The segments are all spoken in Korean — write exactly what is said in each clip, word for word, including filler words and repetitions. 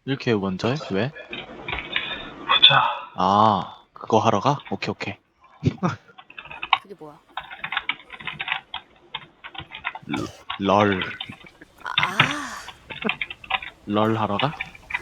이렇게 먼저 해? 왜? 보자. 아, 그거 하러 가? 오케이, 오케이. 그게 뭐야? 럴, 아, 럴 하러 가?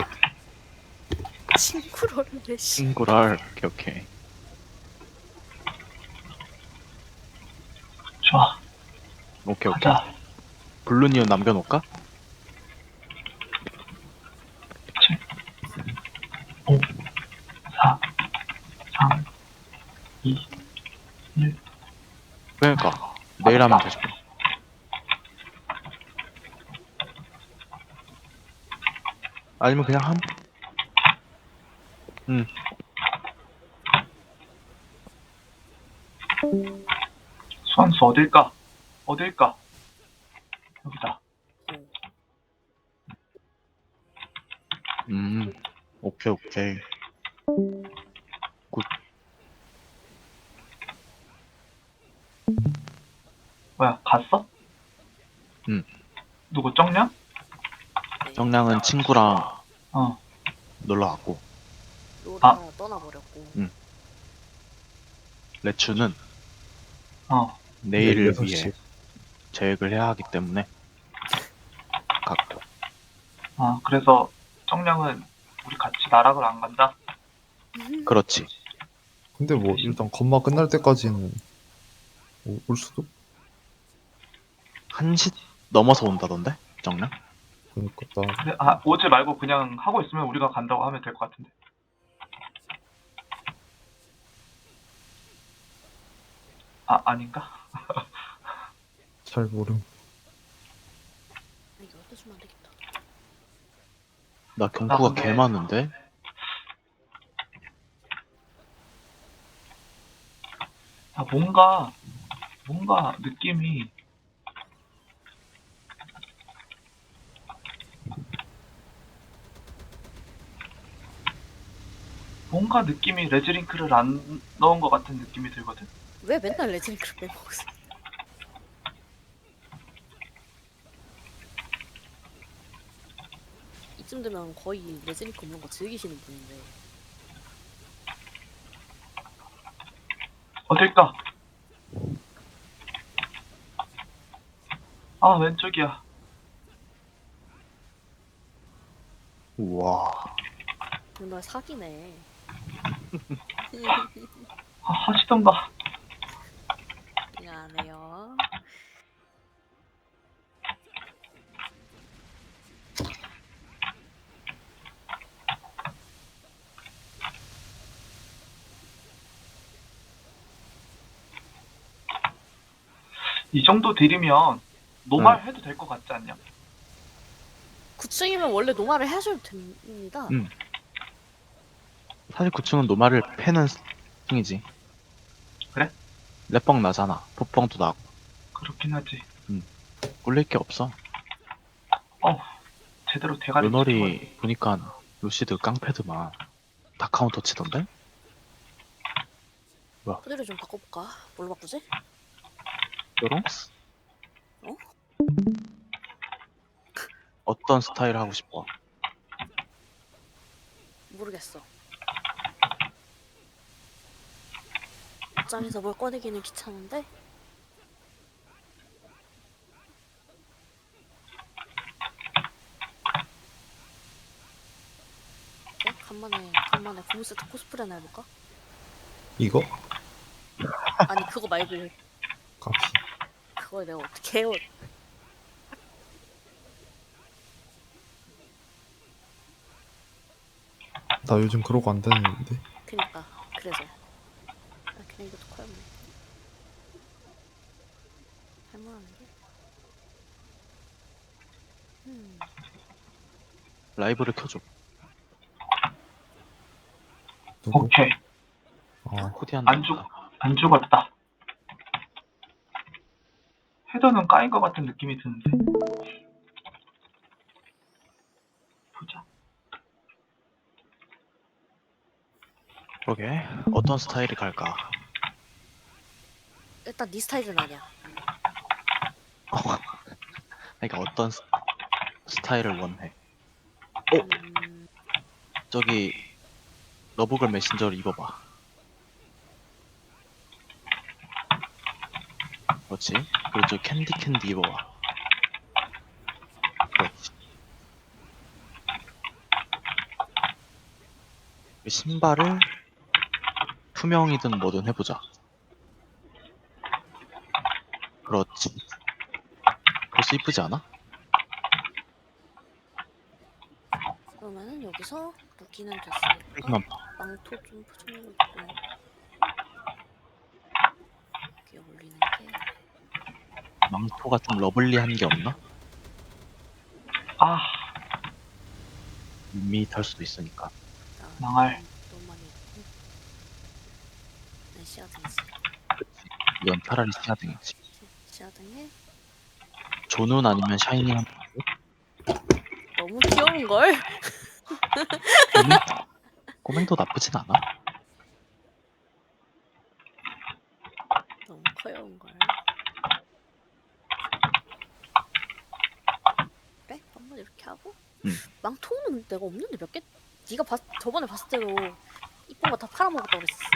친구를 씨. 친구 럴. 오케이, 오케이. 좋아. 오케이, 오케이. 가자. 블루니온 남겨놓을까? 칠, 오, 사, 삼, 이, 일. 그러니까 내일 하면 되지. 아니면 그냥 함? 응. 수환수 어딜까? 어딜까? 여기다. 음. 오케이, 오케이. 굿. 뭐야, 갔어? 응. 누구 쩡냐? 정량은 친구랑 어. 놀러 왔고, 로라 떠나버렸고. 레츠는 어. 내일을 여섯 위해 시. 계획을 해야 하기 때문에 갔고. 아, 그래서 쩡냥은 우리 같이 나락을 안 간다? 그렇지. 근데 뭐 일단 건마 끝날 때까지는 오- 올 수도. 한 시 넘어서 온다던데? 정량? 그러니까 나 근데, 아, 오지 말고 그냥 하고 있으면 우리가 간다고 하면 될 것 같은데. 아, 아닌가? 잘 모름. 아, 이거 갖다 주면 안 되겠다. 나 경구가 근데- 개 많은데? 아, 뭔가, 뭔가 느낌이, 뭔가 느낌이 레즈링크를 안 넣은 것 같은 느낌이 들거든? 왜 맨날 레진크를 빼먹었어? 이쯤 되면 거의 레진크 없는 거 즐기시는 분인데. 어딜까? 아, 왼쪽이야. 우와. 정말 사기네. 아, 하시던가. 이거 안 해요. 이 정도 딜이면 노말 해도 될 것 같지 않냐? 구 층이면 원래 노말을 해줘도 됩니다. 응. 사실 구 층은 노말을 패는 층이지. 그래? 랩뻥 나잖아. 포뻥도 나고. 그렇긴 하지. 꿀릴 게 없어. 어, 제대로 대가리 요널이 보니까 루시드 깡패드만 다 카운터 치던데? 코드를 좀 바꿔볼까? 뭘로 바꾸지? 요롱스? 어? 어떤 스타일 하고 싶어? 모르겠어. 옷장에서 뭘 꺼내기는 귀찮은데? 네? 간만에 간만에 고무세트 코스프레나 해볼까? 이거 아니 그거 말고 값이. 그걸 내가 어떻게 해요? 나 요즘 그러고 안 다니는데. 그니까 그래서 아 그냥 이것도 커였네. 할만한데? 음 라이브를 켜줘. 누구? 오케이. 아 코디한다. 안 죽, 안 죽었다. 헤더는 까인 것 같은 느낌이 드는데. 보자. 그러게. 어떤 스타일이 갈까? 일단 네 스타일은 아니야. 그러니까 어떤 스, 스타일을 원해? 음, 저기 러브걸 메신저를 입어봐. 그렇지. 그리고 저 캔디 캔디 입어봐. 그렇지. 그 신발을 투명이든 뭐든 해보자. 그렇지. 벌써 이쁘지 않아? 그러면은 여기서 무기는 됐으니까 여기만 봐. 망토 좀 포장해놓고 여기 올리는 게 망토가 좀 러블리한 게 없나? 아, 밋밋할 수도 있으니까. 나 망할. 너무 많이 했고 네, 시야등이지. 그렇지. 이건 차라리 시야등이지. 시야등에 조눈 아니면 샤이닝 한 너무 귀여운걸? 꼬맹? 꼬맹도 나쁘진 않아. 너무 커요운걸. 그래? 한번 이렇게 하고 응. 망토는 내가 없는데 몇 개? 네가 봤, 저번에 봤을 때도 이쁜 거 다 팔아먹었다고 그랬었어.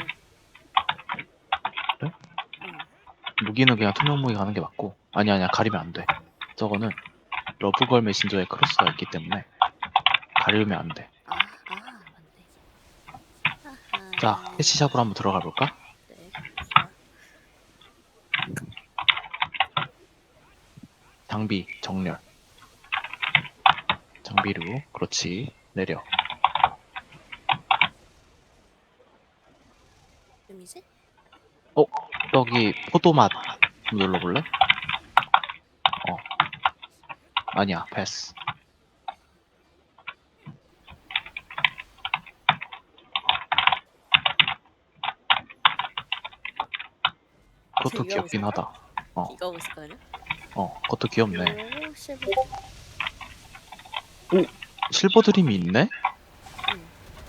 그래? 응. 무기는 그냥 투명 무기 가는 게 맞고. 아니 아니야 가리면 안 돼. 저거는 러브걸 메신저에 크로스가 있기 때문에 가리면 안 돼. 아, 아, 맞네. 아하. 자, 패치샵으로 한번 들어가 볼까? 네, 좋아. 장비 정렬. 장비류. 그렇지. 내려. 이름이지? 어? 여기 포도맛 좀 눌러볼래? 어. 아니야 패스. 그것도 이거 하고 귀엽긴 있을까? 하다. 어. 이거 하고 있을까요? 어. 그것도 귀엽네. 요 실버. 실버 드림이 있네? 응.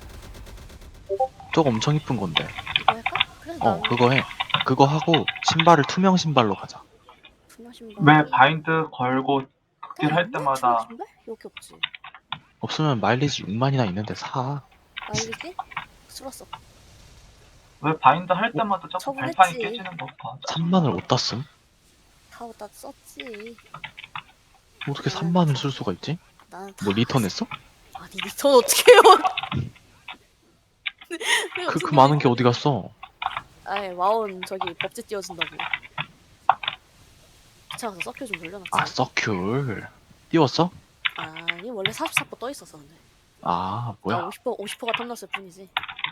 저거 엄청 이쁜 건데. 이거 할까? 그래 어, 난 그거 해. 그거 하고 신발을 투명 신발로 가자. 분화 신발. 왜 바인드 걸고 나 극딜 할 있네? 때마다 분화 신발? 여기 없지. 없으면 마일리지 육만이나 있는데 사. 마일리지? 쓸었어. 왜 바인드 할 때마다 자꾸 처분했지. 발판이 깨지는 거 봐. 삼만을 어디다 쓴? 다 어디다 썼지. 어떻게 나는 삼만을 쓸 수가 있지? 나는 다 뭐 리턴했어? 아니 리턴 어떻게 해요? 내가 그, 무슨 그 많은 일이- 게 어디 갔어? 아이 와운 저기 법제 띄워준다고. 귀찮아서 서큐 좀 돌려놨지. 아, 서큐를. 띄웠어? 아니 원래 사십사 퍼센트 떠 있었어 근데. 아, 나 뭐야. 오십 퍼센트 오십 퍼센트가 탐났을 뿐이지.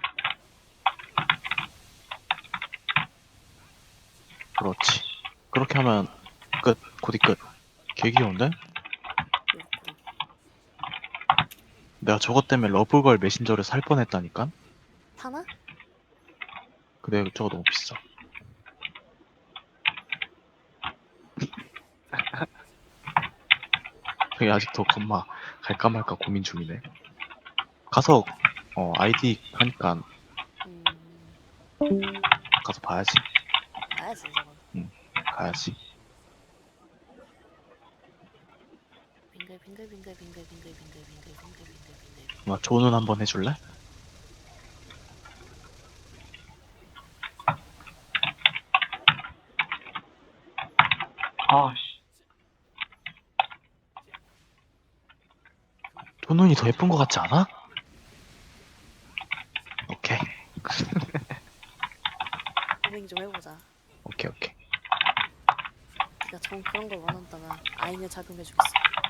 그렇지. 그렇게 하면 끝. 곧이 끝. 개 귀여운데? 그렇구나. 내가 저것 때문에 러브걸 메신저를 살 뻔했다니까? 파나? 근데 저거 너무 비싸. 되게 아직도 겁마 갈까 말까 고민 중이네. 가서 어 아이디 하니까 음. 가서 봐야지. 가야지 저건. 가야지. 빙글 빙글 빙글 빙글 빙글 빙글 빙글 빙글 빙글 빙글. 뭐 조는 한번 해줄래? 아씨. 조눈이 더 예쁜 것 같지 않아? 오케이. 고민 좀 해보자. 오케이 오케이. 네가 정 그런 걸 원한다면 아이는 작용해주겠어.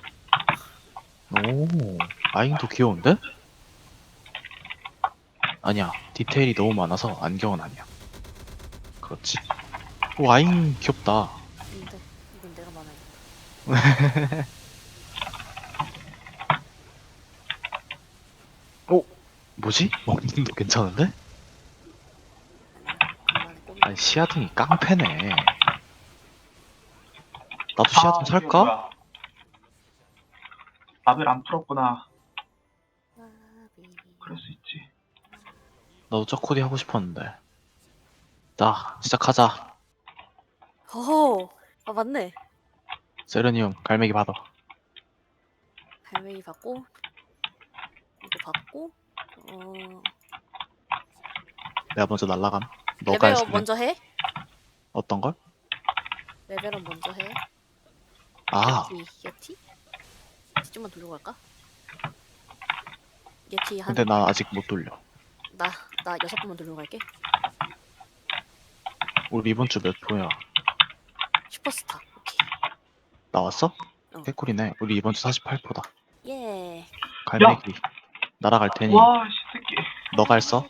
오 아잉도 귀여운데? 아니야 디테일이 너무 많아서 안경은 아니야. 그렇지. 오 아잉 귀엽다. 근데 이건 내가 많아야겠다. 오 뭐지? 먹는도 괜찮은데? 간만에 꼬미. 아니 시야등이 깡패네. 나도 아, 시야등 이게 살까? 뭐야. 라벨 안 풀었구나. 나비. 그럴 수 있지. 나도 저코디 하고 싶었는데. 자 시작하자. 허허. 아 맞네. 세르니움 갈매기 받아. 갈매기 받고 이거 받고 어 내가 먼저 날라감. 너가 레벨업 했네. 먼저 해? 어떤 걸? 레벨업 먼저 해? 아, 예티 예티? 예티 좀만 돌리고 갈까? 예티 한 근데 나 아직 못 돌려. 나 나 여섯 번만 돌리고 갈게. 우리 이번 주 몇 호야? 슈퍼스타. 오케이. 나왔어? 어. 개꿀이네. 우리 이번 주 사십팔 호다. 예. 갈매기. 날아갈 테니 와, 씨 새끼. 너가 했어?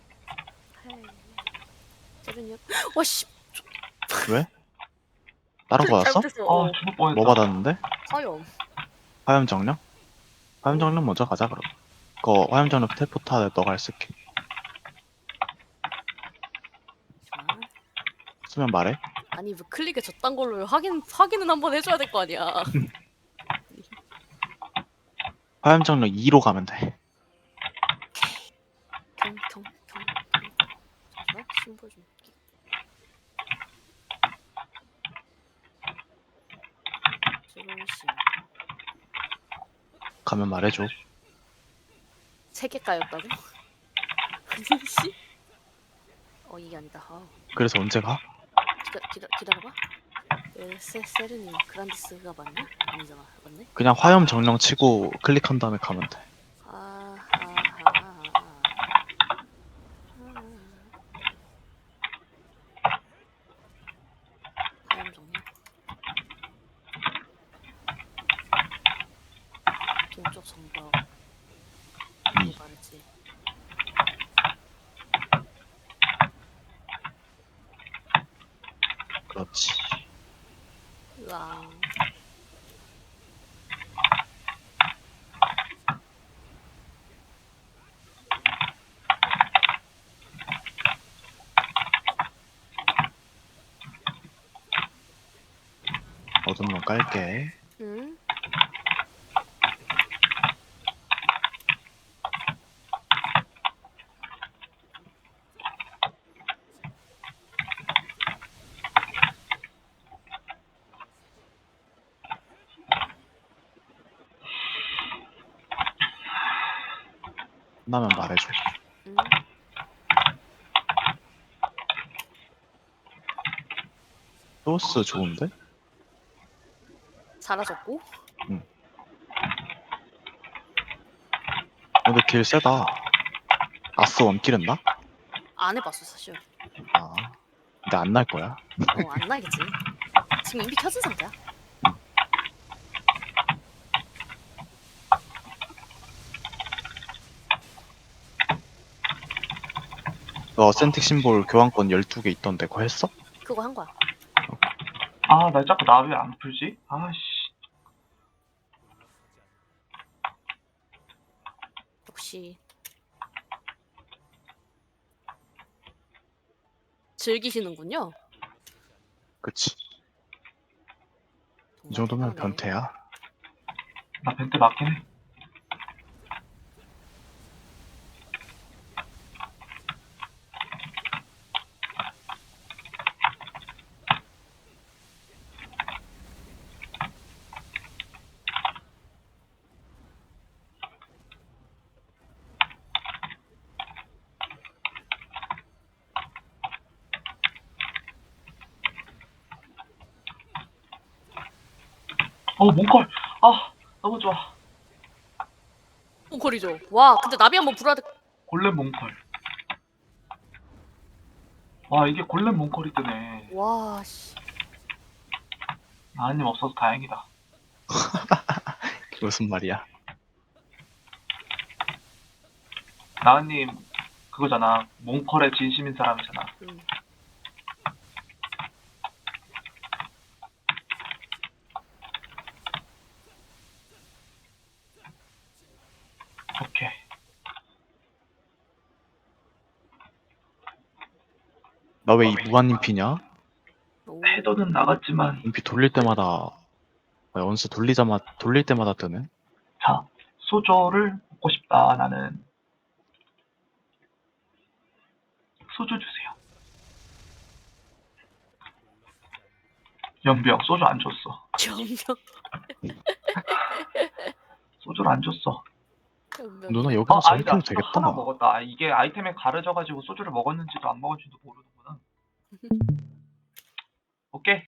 세븐이요? 와씨. 왜? 다른 거 받았어? 잘못했어. 아, 어. 죽을 뻔했다. 뭐 받았는데? 화염. 화염 정령? 화염 정령 먼저 가자 그럼. 그거 화염 정령 텔포타 너가 했을게. 좋아. 쓰면 말해. 아니 왜 클릭에 저딴 걸로 확인 확인은 한번 해줘야 될 거 아니야. 화염 정령 이로 가면 돼. 경경경 잠시만 심볼 좀. 할게. 지금심 가면 말해줘. 세 개까였다고? 씨? 어 이게 아니다. 아, 그래서 언제 가? 기다 기다 기다려봐. 에, 세 세르님 그란디스가 맞나? 아니잖아. 맞네. 그냥 화염 정령 치고 클릭한 다음에 가면 돼. 아하하. 화염 정리. 동쪽 성벽. 이. 말했지. 그렇지. 으앙. 어둠 문 깔게. 응? 끝나면 말해줘. 응? 소스 좋은데? 사라졌고? 근데 길 세다. 아스 원킬 했나? 안 해봤어 사실. 아. 근데 안 날 거야. 어 안 나겠지. 지금 이미 켜진 상태야. 너 어센틱 심볼 교환권 열두 개 있던데 그거 했어? 그거 한 거야. 아, 나 자꾸 나 왜 안 풀지? 아, 씨. 역시 즐기시는군요. 그치. 이 정말 정도면 대단하네. 변태야. 나 벤트 맞긴 해. 어, 몽컬. 아, 너무 좋아. 몽콜이죠. 와 근데 나비 한번 불어야 돼. 골렘 몽컬. 와, 이게 골렘 몽컬이 뜨네. 와 씨. 나은님 없어서 다행이다. 무슨 말이야? 나은님 그거잖아. 몽컬의 진심인 사람이잖아. 음. 오케이. 나 왜 이 무한 인피냐? 오. 패도는 나갔지만 인피 돌릴 때마다 뭐야, 원수 돌리자마자 돌릴 때마다 뜨네. 자, 소주를 먹고 싶다. 나는 소주 주세요. 연병 소주 안 줬어. 정명. 소주를 안 줬어. 운명. 누나 어, 여기서 아니다. 저렇게 수도 되겠다. 하나 먹었다. 아, 이게 아이템에 가려져가지고 소주를 먹었는지도 안 먹었는지도 모르는구나. 오케이.